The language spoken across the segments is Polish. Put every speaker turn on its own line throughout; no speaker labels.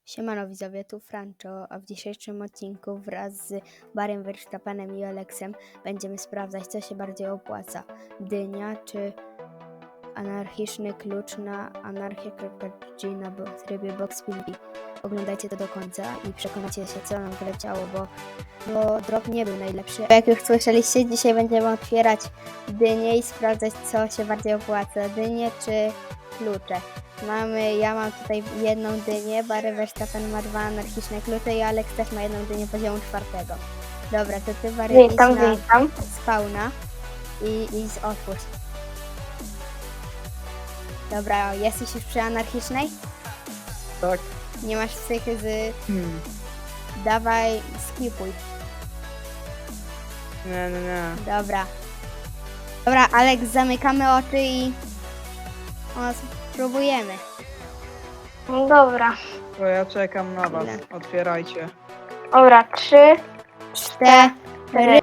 Siemano widzowie, tu Francho, a w dzisiejszym odcinku wraz z Barrym Verstappenem i Aleksem będziemy sprawdzać, co się bardziej opłaca. Dynia czy anarchiczny klucz na anarchia.g na trybie Box PvP. Oglądajcie to do końca i przekonacie się, co nam wyleciało, bo drop nie był najlepszy. Jak już słyszeliście, dzisiaj będziemy otwierać dynię i sprawdzać, co się bardziej opłaca. Dynie czy klucze. Ja mam tutaj jedną dynię, Barry Verstappen ma 2 anarchiczne klucze i Alex też ma jedną dynię poziomu 4. Dobra, to ty Barry idź na spawna i otwórz. Dobra, jesteś już przy anarchicznej?
Tak.
Nie masz psychy Dawaj, skipuj.
Nie.
Dobra. Dobra, Alex, zamykamy oczy i spróbujemy.
No dobra.
To ja czekam na was.
Ile?
Otwierajcie.
Dobra, 3,
4.
3.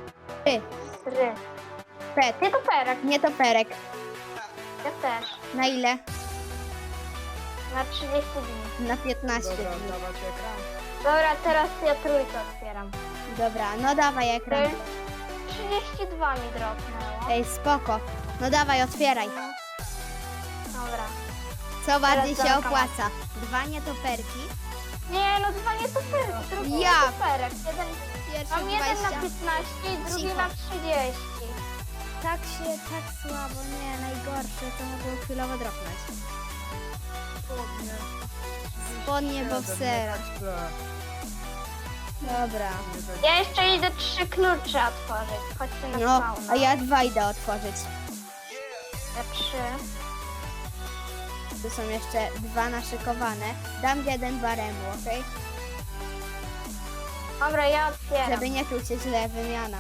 Pet.
Nie to perek,
Nie toperek.
ja też.
Na ile?
Na 30 dni.
Na 15
Dobra,
dni.
dawać ekran.
Dobra, teraz ja trójkę otwieram.
Dobra, no dawaj ekran.
32 mi dropnęło.
Ej, spoko. No dawaj, otwieraj.
Dobra.
Co bardziej się
zamykam.
opłaca? 2 nietoperki.
Nie, no dwa nie to perek, drugi
Ja.
nie to perek.
Pierwszy
Mam jeden
20.
na 15 i drugi
Cicho.
na 30.
Tak słabo, nie, najgorsze, to mogło chwilowo dropnąć. Spodnie boksera. Dobra.
Ja jeszcze idę 3 klucze otworzyć. Chodźcie na
No,
spawna.
a ja 2 idę otworzyć.
Ja 3.
Tu są jeszcze 2 naszykowane. Dam jeden Baremu, okej?
Dobra, ja otwieram.
Żeby nie czuł się źle, wymiana.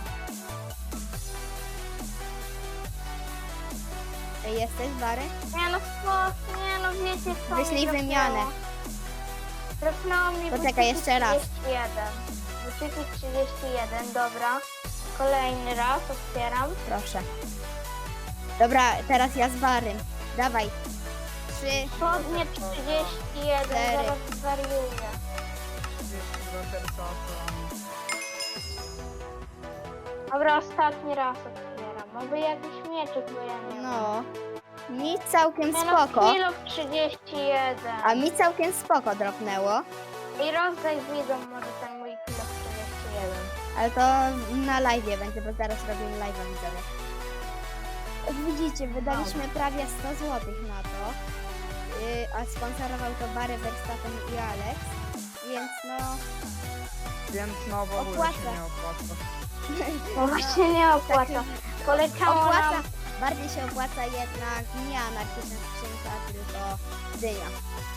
Ej, jesteś, Bary?
Nie no, nie no, wiecie co
Wyślij
mi
wymianę.
Drapnęło mi
Poczekaj,
buciki
jeszcze raz.
31. Buciki 31, dobra. Kolejny raz otwieram.
Proszę. Dobra, teraz ja z Barym. Dawaj. 3.
Spodnie 31,
Cztery.
zaraz zwariuję.
32 herca.
Dobra, ostatni raz otwieram. Może jakiś mieczyk, bo ja nie mam.
No. Mi całkiem
Nie no,
spoko.
kilo 31.
A mi całkiem spoko dropnęło.
I rozdaj widzom może ten mój kilo 31.
Ale to na live'ie będzie, bo zaraz robimy live'a, widzowie. Jak widzicie, wydaliśmy prawie 100 zł na to. A sponsorował to Barry Verstappen i Alex. Więc no...
Więc no w ogóle
Opłaca.
się nie opłaca.
No właśnie nie opłaca. Poleciało
Opłaca,
nam...
bardziej się opłaca jednak nie anarchiczna skrzynka, tylko dynia.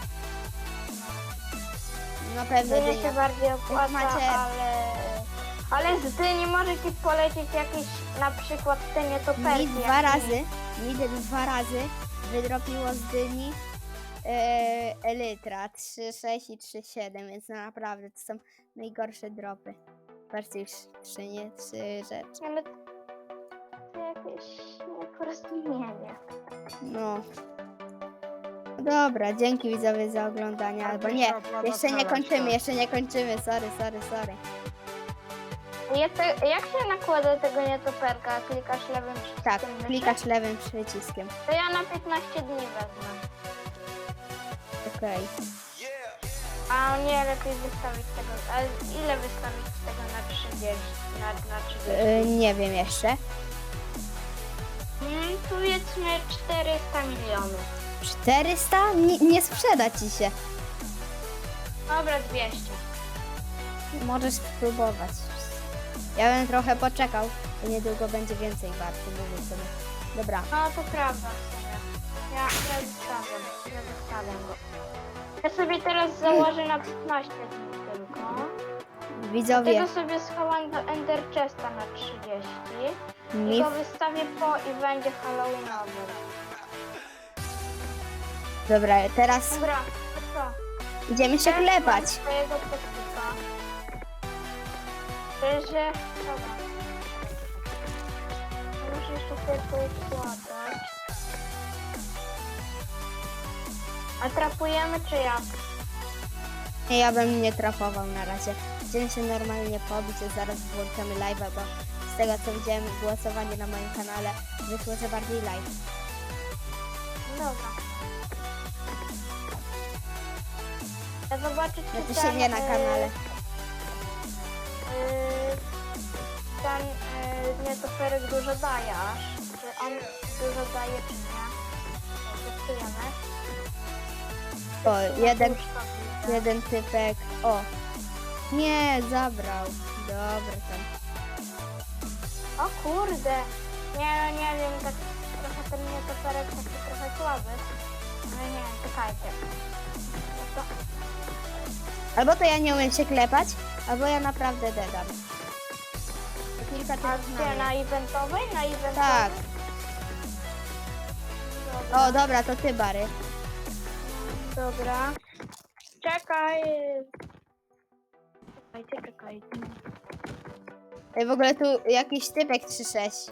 Na pewno
Dynia się
dynia.
bardziej opłaca,
macie-
ale z dyni może ci polecieć jakieś na przykład te nietoperki.
Mi 2 razy wydropiło z dyni Elytra 3,6 i 3,7, więc naprawdę to są najgorsze dropy. Patrzcie, już 3 rzeczy.
Ale to jakieś nieporozumienie.
No. Dobra, dzięki widzowie za oglądanie,
Ale
albo
to
nie,
się opłaca
jeszcze nie
starać,
kończymy,
tak.
jeszcze nie kończymy, sorry.
Jak się nakłada tego nietoperka? Klikasz lewym przyciskiem
Tak,
myszy?
klikasz lewym przyciskiem.
To ja na 15 dni wezmę.
Okej.
A nie, lepiej wystawić tego. A ile wystawić tego na 30? Na 30?
Nie wiem jeszcze.
Powiedzmy 400 milionów.
400? Nie sprzeda ci się.
Dobra, 200.
Możesz spróbować. Ja bym trochę poczekał, bo niedługo będzie więcej warty, mówię sobie. Dobra,
No to prawda w sumie. Ja wystawiam go. Ja sobie teraz założę na 15 dni tylko.
widzowie,
Tego sobie schowam do Ender Chesta na 30. I
mi
go wystawię po i będzie Halloweenowy.
Dobra, teraz
Dobra, to co?
idziemy się
Teraz
klepać.
mam swojego podpisa. Że... Dobra. Muszę jeszcze sobie poukładać. A trapujemy czy jak?
Nie, ja bym nie trafował na razie. Chciałem się normalnie pobić, a zaraz włączamy live'a, bo z tego co widziałem głosowanie na moim kanale wyszło, że bardziej live.
Dobra. Ja zobaczę, czy
Znaczy się nie na kanale.
Ten nietoperek dużo daje aż. Czy on dużo daje, czy nie? Testujemy.
O, jeden,
Łóżko widzę.
jeden typek. O! Nie, zabrał. Dobra tam.
O kurde. Nie wiem, tak trochę ten nietoperek taki trochę słaby. Ale nie wiem, czekajcie. No to...
Albo to ja nie umiem się klepać, albo ja naprawdę dedam. Kilka
A
typów
gdzie,
na
na eventowej? Na eventowej?
Tak.
Dobra.
O, dobra, to ty, Bary.
Dobra. Czekaj. Czekajcie.
Ej, w ogóle tu jakiś typek 3-6.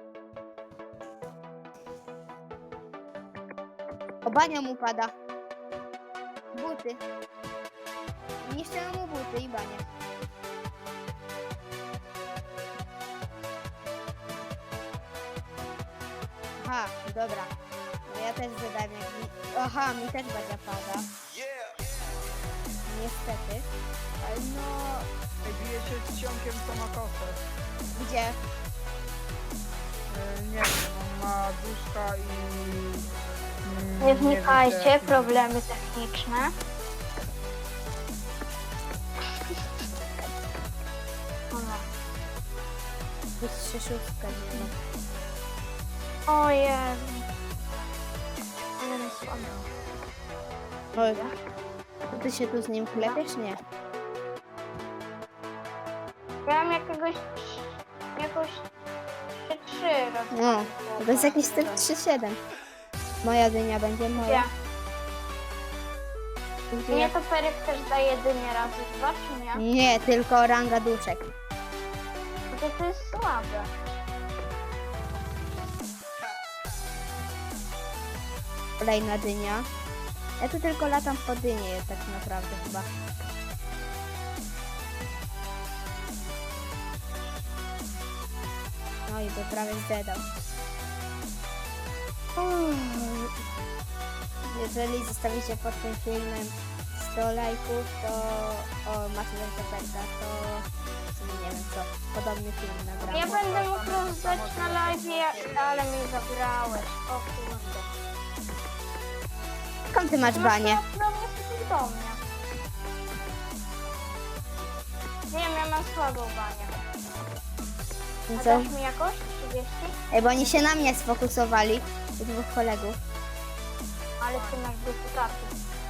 O, bania mu pada. Buty. Niszczę mu buty i banie. Aha, dobra. No ja też zadałem jak mi... Aha, mi też bania pada. Niestety. Ale no...
Ej, bije się z ciągiem, co ma kosę.
Gdzie?
Nie wiem, on ma duszka i...
Nie
wiem,
wnikajcie,
gdzie-
problemy techniczne. Dobra.
Jest 3-6, nie ma.
O Jezu. Ale mnie słabo.
Oj, to ty się tu z nim klepiesz? Nie.
Miałam jakąś 3 razy.
No, to jest jakiś typ 3-7. Moja dynia będzie
Gdzie?
moja. Gdzie
Nie,
ja-
to Perek też daje jedynie razy 2, czy nie?
Nie, tylko ranga duszek.
To jest słabe.
Kolejna dynia. Ja tu tylko latam po dynie tak naprawdę chyba. No i to prawie zdedał. Jeżeli zostawicie pod tym filmem 100 lajków, to macie Toperka, to w sumie nie wiem co, podobny film nagramy.
Ja będę mógł rozdać na live, ale mi zabrałeś. O kurde.
Skąd ty masz banie?
No nie do mnie. Nie wiem, ja mam słabą banię. A
Co?
dasz mi jakoś? 30?
Ej, bo oni się na mnie sfokusowali, u dwóch kolegów.
Ale ty masz duplikatów.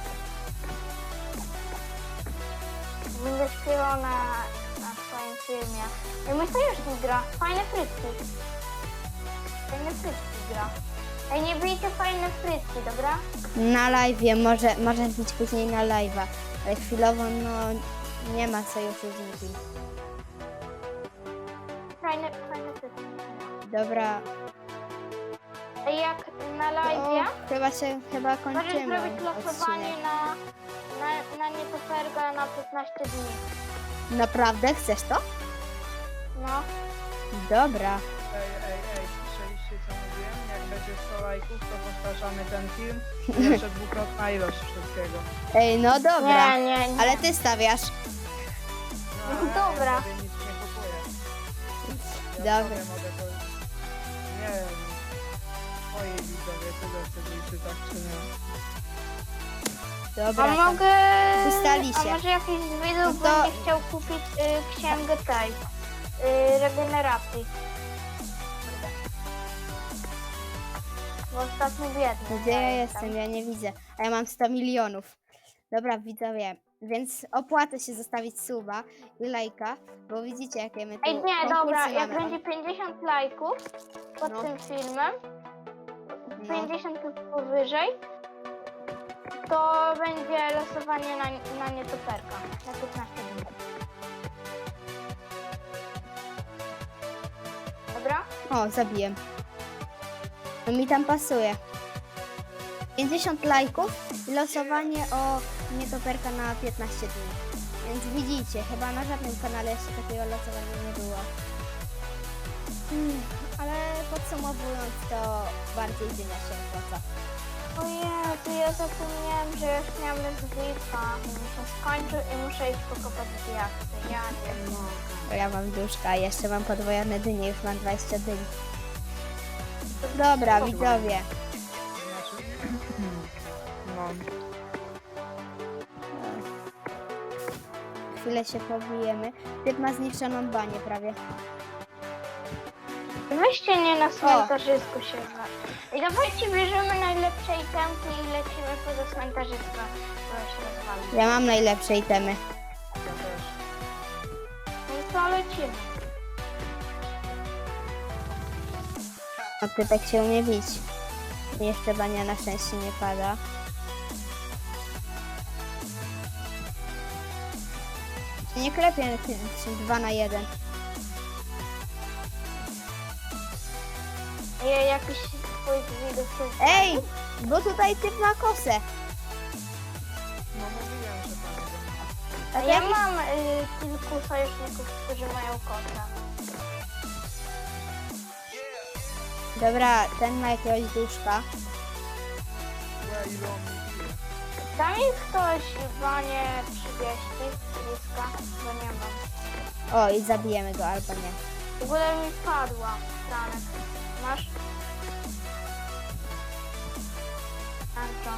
Będę śpiewał na swoim filmie. Ej, mój sojusznik gra. Fajne frytki. Fajne frytki gra. Ej, nie bijcie fajne frytki, dobra?
Na live'ie, może być później na live'a, ale chwilowo no nie ma sojuszu z nikim.
Fajne frytki.
Dobra,
Ej, jak na
o,
live'ie
chyba
możesz
kończymy
zrobić losowanie
odcinek.
na nietoperga na 15 dni.
Naprawdę? Chcesz to?
No.
Dobra.
Ej, słyszeliście co mówiłem? Jak będzie 100 lajków, to powtarzamy ten film. I jeszcze dwukrotna ilość wszystkiego.
Ej, no dobra.
Nie.
Ale ty stawiasz.
No dobra.
Ja sobie nic nie kupuję.
Dobra.
Ja mogę to... Nie wiem. Twoi widzowie tyle czy tak czy nie.
Dobra.
A
tam.
mogę...
Ustali
A
się.
może jakiś z widzów
No to-
będzie chciał kupić księgę tej regeneracji. Bo ostatnio biedny.
Gdzie ja jestem? Ja nie widzę. A ja mam 100 milionów. Dobra, widzowie. Więc opłaca się zostawić suba i lajka, bo widzicie jakie my tu
Ej, nie,
konkursy
dobra, jak
mamy.
będzie 50 lajków pod
No.
tym filmem,
No.
50 lub powyżej, to będzie losowanie na nietoperka na 15 dni. Dobra?
O, zabiłem. No mi tam pasuje. 50 lajków i losowanie o nietoperka na 15 dni. Więc widzicie, chyba na żadnym kanale jeszcze takiego losowania nie było. Ale podsumowując, to bardziej dynia się opłaca.
O Jezu, ja zapomniałem, że już miałem zwipa. Mi się skończył i muszę iść pokopać diaksy. Ja nie mogę.
Bo ja mam duszka, jeszcze mam podwojone dynie, już mam 20 dyń. Dobra, widzowie.
Znaczy... No.
Chwilę się pobijemy. Typ ma zniszczoną banię prawie.
Weźcie nie na cmentarzysku się zna. I dawajcie, bierzemy najlepsze itemki i lecimy poza cmentarzyską, które się rozwali.
Ja mam najlepsze itemy.
Ja też.
No to lecimy.
No typek się umie bić. Jeszcze bania na szczęście nie pada. Nie klepię 2 na 1.
Ja jakiś swój widok się
Ej! Bo tutaj typ ma kosę.
No mówiłem, że tam jeden.
A
Ja mam kilku sojuszników, którzy mają kota.
Dobra, ten ma jakiegoś duszka.
Łe, ile on mi bije.
Da mi ktoś banie 30 bliska, bo nie mam.
O, i zabijemy go albo nie.
W ogóle mi padła Franek. Masz? Anto.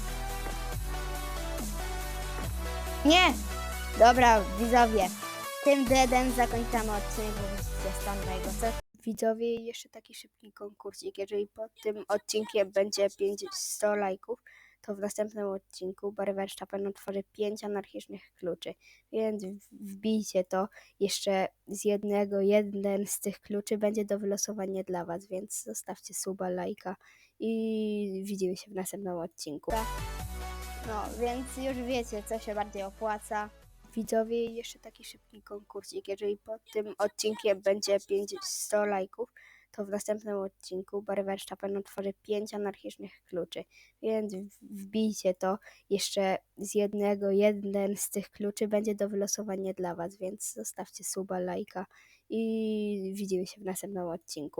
Nie! Dobra, widzowie. Tym deadem zakończamy odcinek, bo widzicie stan mojego co? Widzowie, jeszcze taki szybki konkursik. Jeżeli pod tym odcinkiem będzie 500 lajków, to w następnym odcinku Barry Verstappen otworzy 5 anarchicznych kluczy. Więc wbijcie to. Jeszcze jeden z tych kluczy będzie do wylosowania dla Was, więc zostawcie suba, lajka i widzimy się w następnym odcinku. No, więc już wiecie, co się bardziej opłaca. Widzowie, jeszcze taki szybki konkursik. Jeżeli pod tym odcinkiem będzie 500 lajków, to w następnym odcinku Barry Verstappen otworzy 5 anarchicznych kluczy. Więc wbijcie to. Jeszcze jeden z tych kluczy będzie do wylosowania dla Was, więc zostawcie suba, lajka i widzimy się w następnym odcinku.